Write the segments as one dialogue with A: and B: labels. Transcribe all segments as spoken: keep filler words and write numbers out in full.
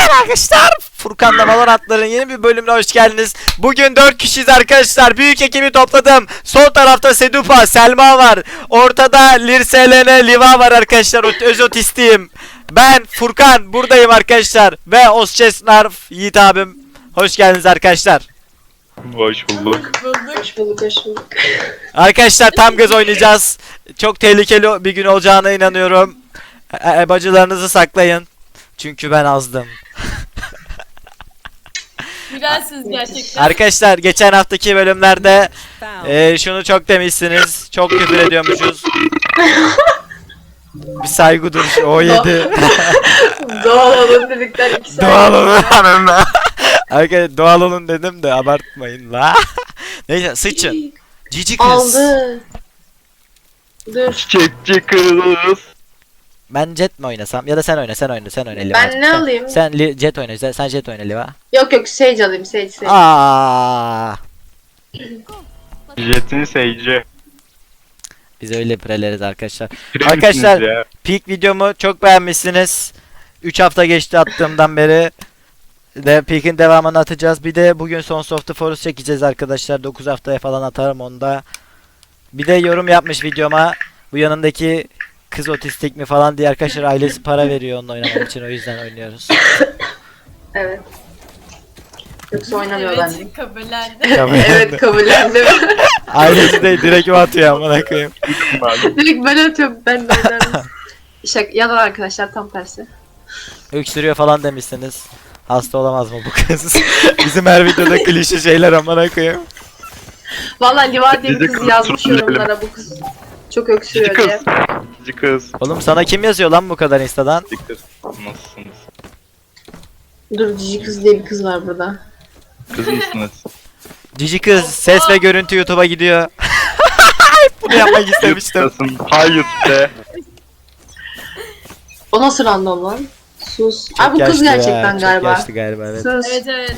A: Arkadaşlar Furkan'la Valorant'ların yeni bir bölümüne hoş geldiniz. Bugün dört kişiyiz arkadaşlar. Büyük ekibi topladım. Sol tarafta Sedupa, Selma var. Ortada Lirselene, Liva var arkadaşlar. Öz otistiyim. Ben Furkan buradayım arkadaşlar. Ve Osçesnarf Yiğit abim. Hoş geldiniz arkadaşlar.
B: Hoş bulduk.
C: Hoş bulduk, hoş bulduk.
A: Arkadaşlar tam gaz oynayacağız. Çok tehlikeli bir gün olacağına inanıyorum. E e bacılarınızı saklayın. Çünkü ben azdım.
D: Güzelsiniz gerçekten.
A: Arkadaşlar geçen haftaki bölümlerde e, şunu çok demişsiniz. Çok küfür ediyormuşuz. Bir saygı duruşu. O yedi.
C: Doğal olun dedikten iki saat.
A: Doğal olun hanımla. Arkadaşlar doğal olun dedim de abartmayın la. Neyse sıçın. Cici kız.
C: Aldı. Dur.
B: Çiçekçi kız.
A: Ben Jet mi oynasam? Ya da sen oyna, sen oyna, sen oyna Liva.
C: Ben ne
A: sen,
C: alayım?
A: Sen li- Jet oyna, sen, sen Jet oyna Liva.
C: Yok yok Sage alayım, Sage, Sage.
A: Aa.
B: Jet'in seyirci.
A: Biz öyle preleriz arkadaşlar.
B: Pire
A: Arkadaşlar
B: misiniz ya?
A: peak videomu çok beğenmişsiniz. üç hafta geçti attığımdan beri. De Peak'in devamını atacağız. Bir de bugün Sons of the Forest çekeceğiz arkadaşlar. dokuz haftaya falan atarım onu da. Bir de yorum yapmış videoma. Bu yanındaki kız otistik mi falan diye arkadaşlar ailesi para veriyor onunla oynamak için. O yüzden oynuyoruz.
C: Evet. Yoksa oynamıyor bence.
D: Evet, kabullendi.
C: Evet, kabullendim.
A: Ailesi de direkt mi atıyor amına koyayım.
C: Direkt ben atıyorum, ben de oynarım. Şaka, yalan arkadaşlar, tam tersi.
A: Öksürüyor falan demişsiniz. Hasta olamaz mı bu kız? Bizim her videoda klişe şeyler amına koyayım.
C: Vallahi Liva diye bir
B: Cici
C: kız
B: kız,
C: yazmış
B: trolleyelim.
C: yorumlara, bu kız çok
B: Cici
C: öksürüyor
B: kız.
C: diye.
B: Cici kız.
A: Oğlum sana kim yazıyor lan bu kadar instadan?
B: Cici kız. Nasılsınız?
C: Dur, cici kız diye bir kız var burada.
B: Kız mısınız?
A: Cici kız ses ve görüntü YouTube'a gidiyor. Bunu yapmak istemiştim.
B: YouTube'dasın. Hayır be.
C: O nasıl random lan? Sus.
A: Çok
C: Ay bu kız
A: yaşlı ya,
C: gerçekten
A: çok
C: galiba.
A: yaşlı galiba evet.
C: Sus.
D: Evet evet.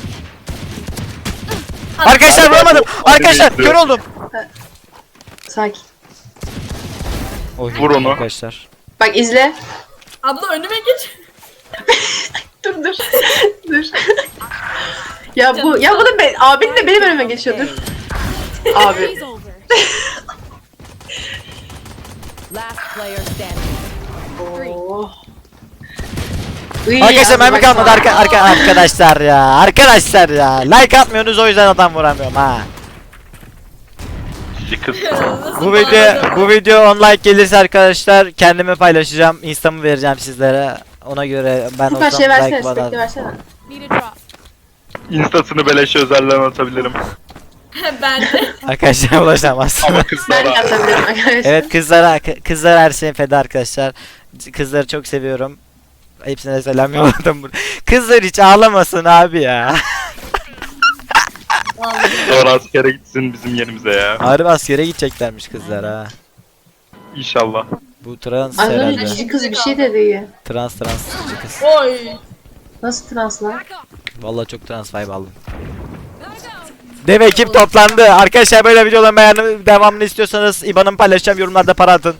A: Arkadaşlar vuramadım. Arkadaşlar
B: Hadi
A: kör oldum.
C: Sakin.
A: Oy,
B: Vur onu.
A: arkadaşlar.
C: Bak izle.
D: Abla önüme geç.
C: Dur dur. Dur. Ya bu ya bu da be, abin de benim önüme geçiyor, dur. Abi.
E: Last player standing.
C: Oo. Iy,
A: Arkadaşlar mermi
C: bak-
A: kalmadı arka, arka arkadaşlar ya. Arkadaşlar ya. Like atmıyorsunuz o yüzden adam vuramıyorum ha.
B: Cici kız.
D: Nasıl
A: Bu video bu video on like gelirse arkadaşlar kendimi paylaşacağım. Insta'mı vereceğim sizlere. Ona göre ben
C: Bu kadar
A: olsam
C: şey versene,
A: like
C: spekli
A: bana.
C: versene.
B: Instasını beleşe özelden atabilirim.
D: Ben de.
A: Arkadaşlar ulaşamazsınız.
B: Ama
C: Ben de
B: kızlara.
C: atabilirim arkadaşlar.
A: Evet kızlara kızlar her şeyin feda arkadaşlar. Kızları çok seviyorum. Hepsine selam yolladım. bur- Kızlar hiç ağlamasın abi ya.
B: Sonra askere gitsin bizim yerimize ya.
A: Harbi askere gideceklermiş kızlar ha.
B: İnşallah.
A: Bu trans
C: Az önce
A: herhalde.
C: cici kız bir şey dedi.
A: Trans trans cici kız.
D: Oy.
C: Nasıl trans lan?
A: Vallahi çok trans vibe aldım. Dev ekip toplandı. Arkadaşlar böyle videoların beğendim. Devamını istiyorsanız I B A N'ımı paylaşacağım. Yorumlarda para atın.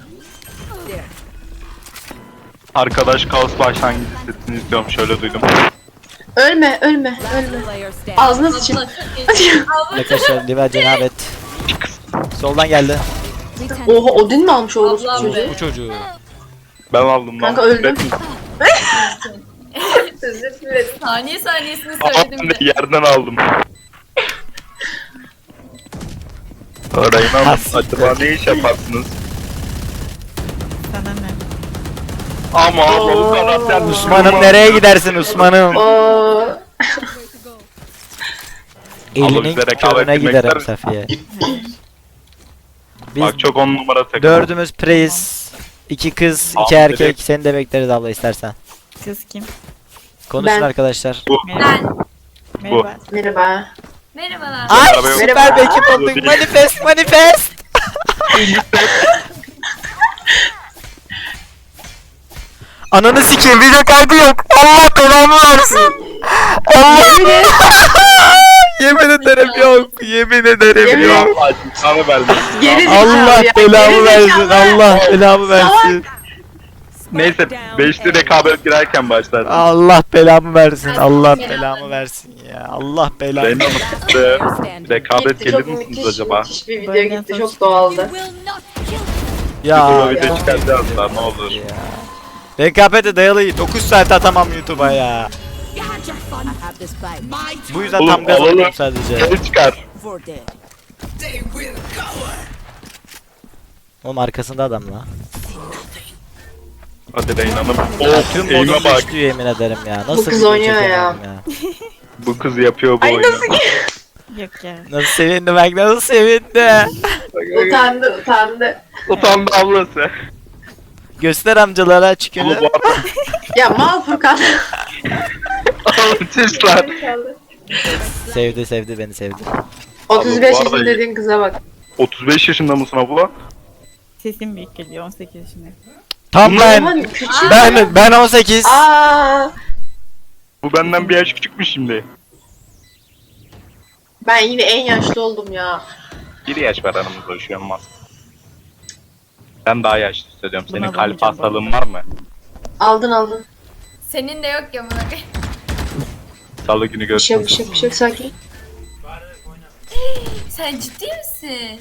B: Arkadaş kaos başlangıcı sesini izliyorum, şöyle duydum.
C: Ölme, ölme, ölme.
E: Last player standing.
C: Ağzına sıçın.
D: Abla çok iyi. Abla
A: Arkadaşlar Liva cenabet. Soldan geldi.
C: Oha, Odin mi almış o orospu
D: Ablam
C: çocuğu?
D: be.
A: Bu çocuğu.
B: Ben aldım lan.
C: Kanka öldüm.
D: Saniye saniyesini
B: Aa,
D: söyledim
B: ben
D: de.
B: de yerden aldım. Arayın acaba ne iş yaparsınız? Ama ama bu karakter
A: Osman'ım nereye gidersin Osman'ım?
C: Oo.
A: Elinin
B: bize rekabet
A: körüne
B: etmek
A: giderim
B: ister
A: Safiye. Biz
B: Bak çok on numara takım.
A: dördümüz praise. iki kız, iki
B: Abi,
A: erkek.
B: direkt-
A: Seni de bekleriz abla istersen.
F: Kız kim?
A: Konuşun
C: Ben.
A: arkadaşlar.
B: Bu.
D: Ben.
F: Merhaba.
C: Merhaba.
D: Merhabalar.
A: Ay
B: Merhaba.
A: süper bir ekip olduk.
B: Değil.
A: Manifest manifest. Ananı sikeyim video kaydı yok. Allah belamı versin. Allah. Yemin ederim yok. Yemin ederim
C: Yemin
A: yok.
B: Acıkanı verdim.
C: Geri zekalı
A: Allah
C: ya,
A: belamı
C: geri
A: versin.
C: zekalı.
A: Allah belamı versin.
B: Neyse beşli rekabet girerken başlar.
A: Allah belamı versin. Allah belamı versin ya. Allah belamı.
B: Reyna Hanım size rekabet
C: Gitti,
B: gelir
C: çok
B: misiniz
C: müthiş,
B: acaba?
C: müthiş bir video
F: Böyle
C: gitti.
F: çok
C: Çok doğaldı.
A: Ya.
B: YouTube'a video çıkaracağız da ne olur.
A: Ya. Rekabete dayalı dokuz saat atamam YouTube'a ya. Bu yüzden
B: Oğlum,
A: tam gaz
B: alalım.
A: atıyorum sadece.
B: Geri çıkar.
A: Oğlum arkasında adam la.
B: Hadi Reyna Hanım.
A: Ya
B: Of
A: tüm
B: eğime
A: modum
B: bak.
A: düştü yemin ederim ya. Nasıl
C: kız
A: video
C: oynuyor ya.
A: çekemiyorum ya.
B: Bu kız yapıyor bu
C: Ay
B: oyunu.
C: nasıl
F: Yok ya.
A: Nasıl sevindi bak nasıl sevindi.
C: utandı utandı.
B: Utandı ablası.
A: Göster amcalara
B: Ama
A: çıkıyor.
B: bu arada
C: Ya mal Furkan.
B: Çiş lan.
A: Sevdi sevdi beni sevdi.
C: otuz beş
B: bu arada-
C: yaşında dediğin kıza bak.
B: otuz beş yaşında mısın abla?
F: Sesim büyük geliyor on sekiz yaşındayım.
A: Tam ben.
C: Aman küçük.
A: Ben ben on sekiz.
C: Aa,
B: Bu benden bir yaş küçükmüş şimdi.
C: ben yine en yaşlı oldum ya.
B: Bir yaş var aramızda şu an olmaz. Ben daha yaşlı hissediyorum. Senin
F: Buna
B: kalp
F: bakacağım
B: hastalığın var mı?
C: Aldın aldın.
D: Senin de yok ya buna.
B: Salı günü
C: Bir şey yok,
B: görüşürüz.
C: bir şey yok, bir şey yok, sakin.
D: Sen ciddi misin?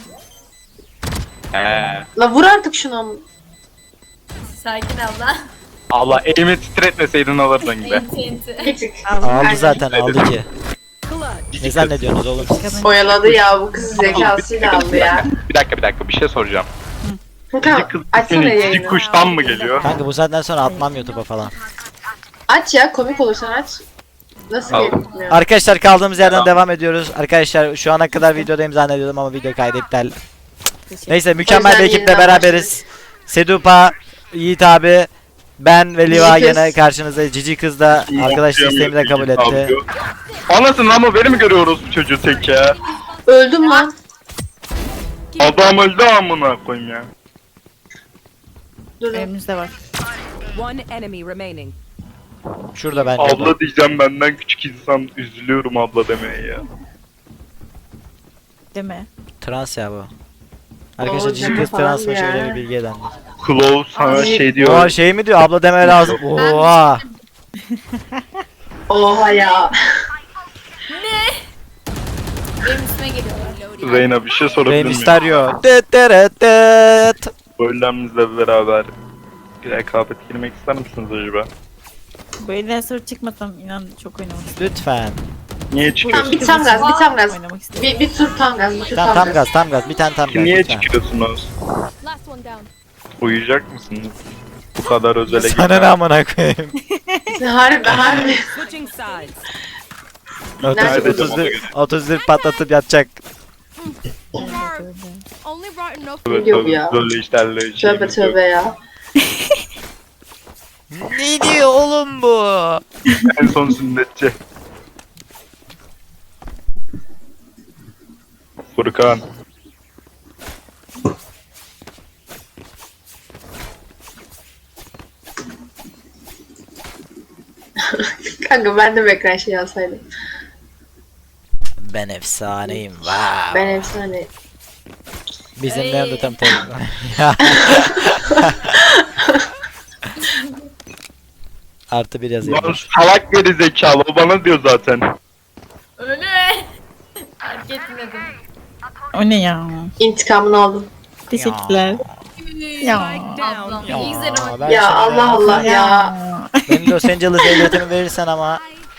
B: He.
C: La vur artık şunu.
D: Sakin abla.
B: Allah elimi titretmeseydin alırdın gibi.
D: Enti enti.
C: Bir tık.
A: Aldı
C: Aynen.
A: zaten aldı ki. Ne zannediyorsunuz oğlum siz?
C: Oyaladı ya bu kız zekasıyla aldı ya.
B: Bir dakika bir dakika bir şey soracağım.
C: Furkan
B: Cici kız
C: açsana
B: ismini cici
C: yayını.
B: kuştan mı geliyor?
A: Kanka bu saatten sonra atmam YouTube'a falan.
C: Aç ya komik olursan aç. Nasıl
B: Al.
C: gelmiyor?
A: Arkadaşlar kaldığımız yerden
B: Tamam.
A: devam ediyoruz. Arkadaşlar şu ana kadar videodayım zannediyordum ama video kaydı iptal. Neyse
C: O
A: mükemmel
C: yüzden
A: bir ekiple
C: yeniden
A: beraberiz. Sedupa, Yiğit abi, ben ve Liva
C: Cici kız.
A: yine karşınızda. Cici kız da arkadaş isteğimi de kabul etti.
B: Anasını ama beni mi görüyoruz bu çocuğu tek ya?
C: Öldüm lan.
B: Adam öldü amına koyayım ya.
C: Dur.
F: Önümüzde var.
E: One enemy remaining.
A: Şurada bence.
B: Abla diyeceğim benden küçük insan üzülüyorum abla demeye ya.
F: Değil mi?
A: Trans ya bu. Arkadaşlar
C: Oo,
A: Cici
C: deme
A: kız
C: falan
A: trans mı
C: ya.
A: şöyle bir bilgi edelim.
B: Claw sana
C: Ay.
B: şey
A: Oha
B: diyor.
A: şey mi diyor abla deme lazım. Oha.
C: Oha ya.
D: Benim üstüme geliyorlar.
B: Reyna bir şey sorabilir
A: Rey
B: miyim?
A: Mysterio. Dıt dırıt dıt.
B: Böylemizle beraber rekabet girmek ister misiniz acaba?
F: Bu elden sonra çıkmasam inan çok oynamak istiyorum.
A: Lütfen.
B: Niye
C: Tamam
B: çıkıyorsunuz?
C: bir tam gaz, bir tam gaz.
F: Oynamak istiyorum.
C: Bir, bir tur tam gaz, bir tur
A: Tamam
C: tam,
A: tam gaz tam gaz bir tane tam gaz.
B: Niye
A: lütfen.
B: çıkıyorsunuz? Uyuyacak mısınız? Bu kadar özele
A: Sana ne
B: gitme.
A: amına koyayım.
C: Harbi harbi.
E: Switching sides.
C: Nerede
A: otuz otuz bir otuz bir patlatıp yatacak.
B: Tövbe
C: Yok
B: tövbe,
C: ya.
B: böyle işlerle
C: Tövbe
B: şeyimiz yok.
C: tövbe ya.
A: Ne diyor oğlum bu?
B: En son sünnetçi. Furkan.
C: Kanka ben de bir ekran şey alsaydım.
A: Ben efsaneyim. Wow.
C: Ben efsane.
A: Bizim
D: Ay.
A: nerede tam tam. Ya. Artı bir yazayım.
B: Lan salak geri zekalı o bana diyor zaten.
D: Öyle mi? Fark etmedim.
F: O ne ya?
C: İntikamını aldım.
F: Teşekkürler. Ya.
D: Ablam.
A: Ya,
D: İyi güzel ama.
A: ben
C: Ya
A: sana-
C: Allah Allah ya.
A: Benim Los Angeles ehliyetimi verirsen ama.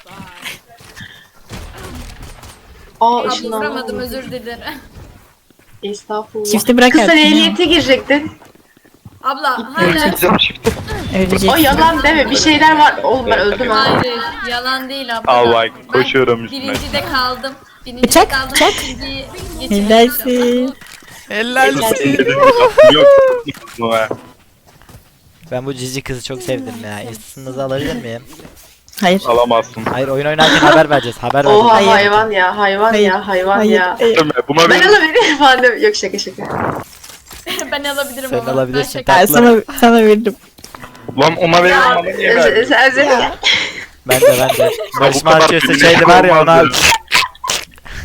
C: Aa
D: Abla
C: ışınlanma.
D: vuramadım özür dilerim.
C: Estağfurullah.
F: Çifti bırak
C: Kız sen
F: artık ya.
C: ehliyete girecektin.
D: Abla hala.
B: Gideceğim şimdi.
F: Ölecek.
C: O yalan deme bir şeyler var. Oğlum ben öldüm ha.
D: Hayır yalan değil abla.
B: Al bak
D: Ben
B: koşuyorum üstüne.
D: Birincide kaldım. Birincide
F: Bıçak,
D: kaldım.
F: bıçak.
D: İkinciyi geçemedim.
F: Helalsin.
A: Helal
B: Yok. Yok.
A: Ben bu cici kızı çok sevdim ya. İsminizi alabilir miyim?
F: Hayır.
B: Alamazsın.
A: Hayır oyun oynarken haber vereceğiz. Haber
C: Oha
A: vereceğiz.
C: hayvan ya hayvan
F: Hayır.
C: ya hayvan
F: Hayır.
C: ya.
F: Hayır.
B: Deme, Buna
C: Ben
B: bir
C: alabilirim falan deme. Yok şaka şaka.
D: Ben alabilirim
A: Sen
D: ama.
A: alabilirsin,
D: Ben şaka-
F: Ben sana, sana verdim.
B: lan ona verin
C: Ya
B: bana niye verdin?
C: sen sen
A: Ben de ben de. Barış
B: Bu kadar
A: Manço'su
B: birbirine
A: şeyli var ya ona.
B: olmaz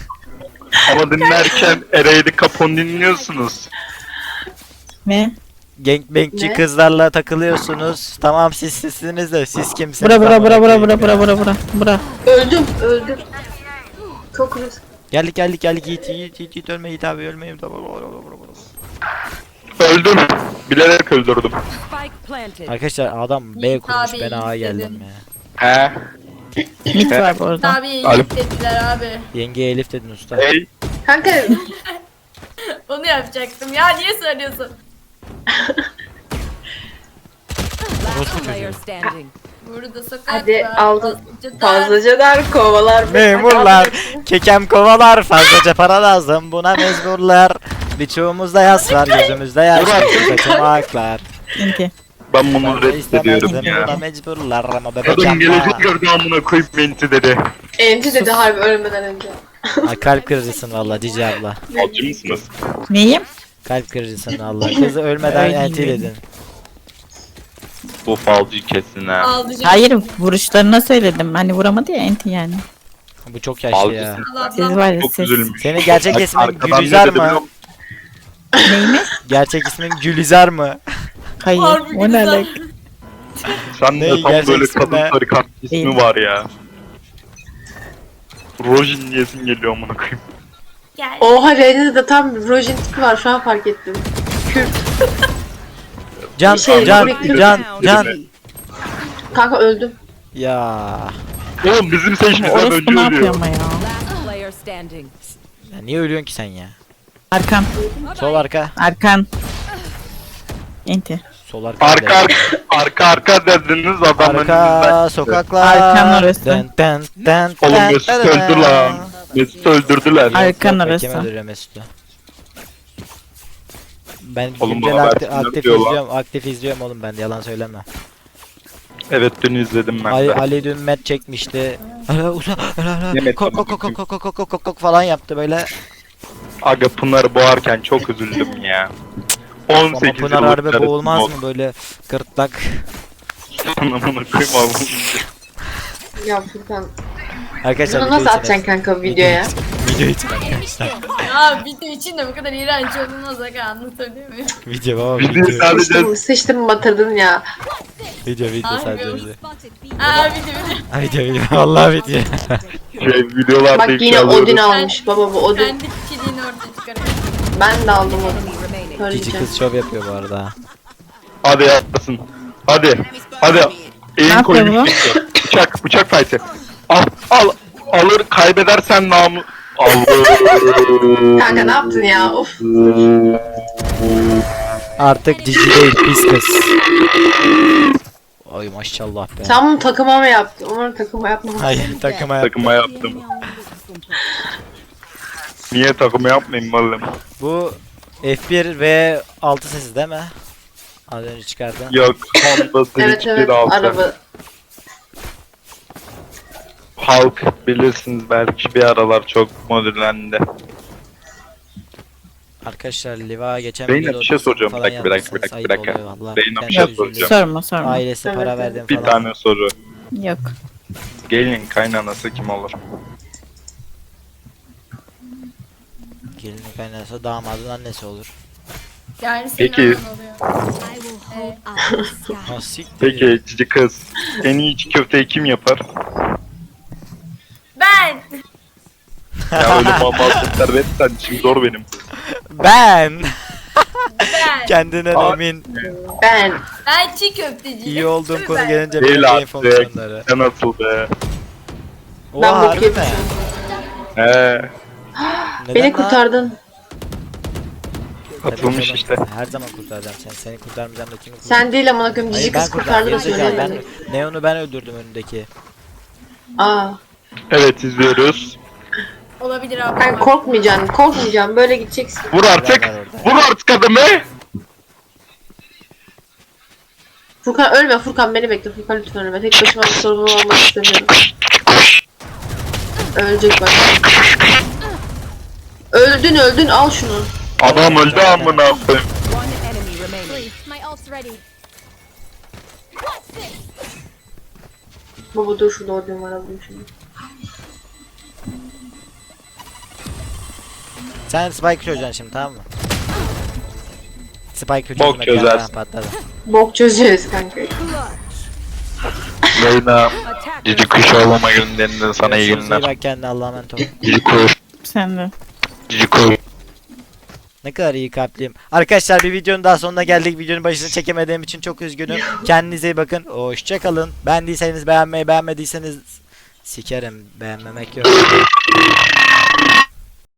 B: Ama dinlerken Ereyli Capon dinliyorsunuz.
F: Ne?
A: gangbangçi
C: Ne?
A: kızlarla takılıyorsunuz. Tamam siz sizsiniz de siz kimsiniz?
F: Bura bura
A: amına
F: bura bura
A: koyayım
F: bura
A: ya.
F: bura bura bura. Bura.
C: Öldüm öldüm. Çok risk.
A: Geldik geldik geldik Yiğit Yiğit Yiğit, Yiğit ölme Yiğit abi ölme Yiğit abi.
B: Öldüm. Bilerek öldürdüm.
E: Spike planted.
A: Arkadaşlar adam B
D: Yiğit
A: kurmuş
D: abi,
A: ben A'ya
D: Yiğit
A: geldim
D: dedi.
A: ya.
B: He.
F: Mit var bu arada.
D: Abi
B: Alo.
D: Yiğit dediler abi.
A: Yengeye Elif dedin usta.
B: Hey.
C: Kanka
D: Onu yapacaktım. Ya niye söylüyorsun?
E: Last player standing.
D: Burada sokak
C: hadi
D: var,
C: aldım.
D: fazlaca dar.
C: Fazlacalar kovalar.
A: Memurlar, kekem kovalar, fazlaca para lazım buna mecburlar. Birçoğumuzda yas var, gözümüzde yaş, kaçamaklar.
F: İnti.
B: Ben bunu reddediyorum
A: İstemezdim buna
B: ya.
A: mecburlar ama
B: Kadın
A: bebek
B: gelecek
A: yapma.
B: gördü amına koyup menti dedi.
C: Enti dedi harbi ölmeden önce.
A: Ay kalp kırıcısın valla Cici abla.
B: Falcı mısınız?
F: Neyim?
A: Kalp kırıcısın valla. Kızı ölmeden
F: Öyle
A: enti
F: mi?
A: dedin.
B: Bu falcı kesin ha.
D: Aldı canım.
F: Hayır vuruşlarına söyledim. Hani vuramadı ya enti yani.
A: Bu çok yaşlı ya.
B: Falcısın.
D: Allah
F: Siz
D: Allah.
F: var ya
B: Çok
F: siz.
B: üzülmüş.
A: Senin gerçek
B: Bak,
A: ismin
B: arkadan ne
A: Gülizar
B: dedi biliyor
A: mı?
B: musun?
F: Neyimi?
A: Gerçek ismin Gülizar mı?
F: Hayır.
D: Harbi
F: O ne
D: güzel.
F: alaka?
B: Sen
A: Ne,
B: de tam
A: gerçek
B: böyle
A: ismi
B: kadın
A: ne?
B: tarikat ismi
F: Değil.
B: var ya. Rojin diyesin geliyor amına koyayım.
D: Gel.
C: Oha Reyna'da da tam Rojin tipi var şu an fark ettim. Kürt.
A: Can,
C: Bir şey,
A: can,
C: bir-
A: can, can.
C: Kanka öldüm.
A: Ya.
B: Oğlum bizim seçimizden
F: Orospu
B: önce
F: ne yapıyor
B: ölüyor.
F: ama ya?
E: Last player standing.
A: Ya niye ölüyorsun ki sen ya?
F: Arkan.
A: Sol arka.
F: Arkan. Enti.
A: Sol arka.
B: Arka arka arka arka dediniz adam önünüzden.
A: Arka sokaklar.
F: Arkan orası.
A: Den, den, den,
B: Oğlum
A: den,
B: Mesut
A: den,
B: öldü
A: den.
B: lan. Mesut öldürdüler.
F: Arkan
A: Yok, yok,
F: orası.
A: Kim öldürüyor Mesut'u? Ben
B: Oğlum
A: güncel
B: bana
A: aktif,
B: versinler
A: aktif
B: diyor lan.
A: izliyorum, aktif izliyorum oğlum ben de yalan söyleme.
B: Evet dün izledim ben
A: Ali,
B: de.
A: Ali dün met çekmişti. Ala uza, ala ala.
B: Ne met
A: Kok kok kok kok kok kok kok kok kok falan yaptı böyle.
B: Aga Pınar'ı boğarken çok üzüldüm ya.
A: Ama
B: on sekiz
A: Pınar
B: yıllık
A: harbi
B: karısı
A: boğulmaz
B: bu.
A: mı böyle gırtlak?
B: Anamını koyayım abi.
C: Ya Furkan.
A: Arkadaşlar
C: Bunu
A: video
C: nasıl
A: için-
C: atacaksın kanka videoya?
A: Video için arkadaşlar.
D: Ya video için de bu kadar iğrenç olmaz aga anlatabiliyor muyum?
A: Video baba
B: Videoyu
A: video.
B: sadece
C: Sıçtım, sıçtım batırdın ya.
A: Video video
D: Harbi
A: sadece
D: olsun.
A: video.
D: Aa video video.
A: Ha, video video vallahi video.
B: şey, videolarda
C: Bak yine
B: alıyoruz.
C: Odin almış baba bu Odin.
D: Kendi kişiliğini ortaya çıkarıyor.
C: Ben de aldım Odin.
E: Enemy remaining.
A: Cici
C: Söyleyeceğim.
A: kız şov yapıyor bu arada.
B: Hadi yapsın. Hadi. Hadi. Eğin
F: yapıyor
B: koyun.
F: bu?
B: Bıçak, bıçak fight'i. Al, al. Alır kaybedersen namı. Alır.
C: Kanka ne yaptın ya? Of.
A: Artık cici değil pis kız. Ay maşallah be.
C: Sen bunu takıma mı yaptın? Umarım takıma yapmamışsın.
A: Hayır takıma yap.
B: Takıma yaptım. Niye takıma yapmayayım oğlum?
A: Bu F bir ve altı sesi değil mi? Az önce çıkardın.
B: Yok, Honda
C: Evet
B: Civic
C: evet
B: bir altı.
C: araba.
B: Halk bilirsiniz belki bir aralar çok modüllendi.
A: Arkadaşlar Liva geçen
B: Zeynep,
A: videoda
B: bir şey
A: otuz
B: soracağım.
A: falan
B: Bir dakika, bir dakika,
A: yapmışsınız.
B: bir dakika,
A: Ayıp
B: bir dakika.
A: oluyor vallahi.
B: Zeynep,
A: Ben
B: bir şey
A: de üzülüyorum.
B: soracağım.
F: Sorma sorma.
A: Ailesi
C: Evet,
A: para
C: evet.
A: verdim
B: Bir
A: falan.
B: tane soru.
F: Yok.
B: Gelin kaynanası kim olur?
A: Gelinin kaynanası damadın annesi olur.
D: Yani senin
B: Peki.
D: anan oluyor.
A: Ha siktir.
B: Peki cici kız. En iyi içi köfteyi kim yapar?
D: Ben.
B: Ya öyle mamazlıklar verirsen şimdi zor benim.
A: Ben.
D: Ben.
A: Kendinden
B: Aa.
A: emin.
C: Ben.
D: Ben çiğ köfteciyim.
A: İyi olduğum
D: Tabii
A: konu
D: ben.
A: gelince
B: Değil
A: böyle
B: artık.
A: fonksiyonları.
B: Sen nasıl be?
A: Oha
C: Ben bok
A: harbi mi?
C: yemişim.
B: He.
A: Neden
C: Beni
A: lan?
C: kurtardın.
A: Tabii
B: Atılmış
A: canım,
B: işte.
A: Her zaman kurtaracağım seni. Seni kurtarmayacağım da kimi kurtaracağım?
C: Sen değil amına koyayım
A: Hayır
C: cici
A: ben
C: kız
A: kurtardım.
C: kurtardı da
A: Gerizekalı, ben
C: söylemedim.
A: Neon'u ben öldürdüm önündeki.
C: Aa.
B: Evet izliyoruz.
D: Olabilir abi.
C: Ben korkmayacaksın, korkmayacaksın. Böyle gideceksin.
B: Vur artık.
A: Ben var orada.
B: Vur artık adamı.
C: Furkan ölme Furkan beni bekle. Furkan lütfen ölme. Tek başıma bir sorumlu olmak istemiyorum. Ölecek bak. Öldün öldün al şunu.
B: Adam öldü amına koyayım.
E: One enemy remaining.
D: My ult's ready.
C: Baba dur şurada ordum var alayım şimdi.
A: Sen Spike çözeceksin şimdi tamam mı? Spike
B: Bok
A: çözmedi ya,
B: çözersin.
A: patladı.
C: Bok çözeceğiz kanka.
B: Reyna
E: Attackers.
B: cici kuş olmama günlerinden sana iyi
A: Görüşürüz, iyi
B: günler.
A: bak kendine, Allah'a emanet ol.
B: Cici kuş.
F: Sen de.
B: Cici kuş.
A: Ne kadar iyi kalpliyim. Arkadaşlar bir videonun daha sonuna geldik. Videonun başını çekemediğim için çok üzgünüm. Kendinize iyi bakın. Hoşçakalın. Beğendiyseniz beğenmeyi, beğenmediyseniz sikerim. Beğenmemek yok.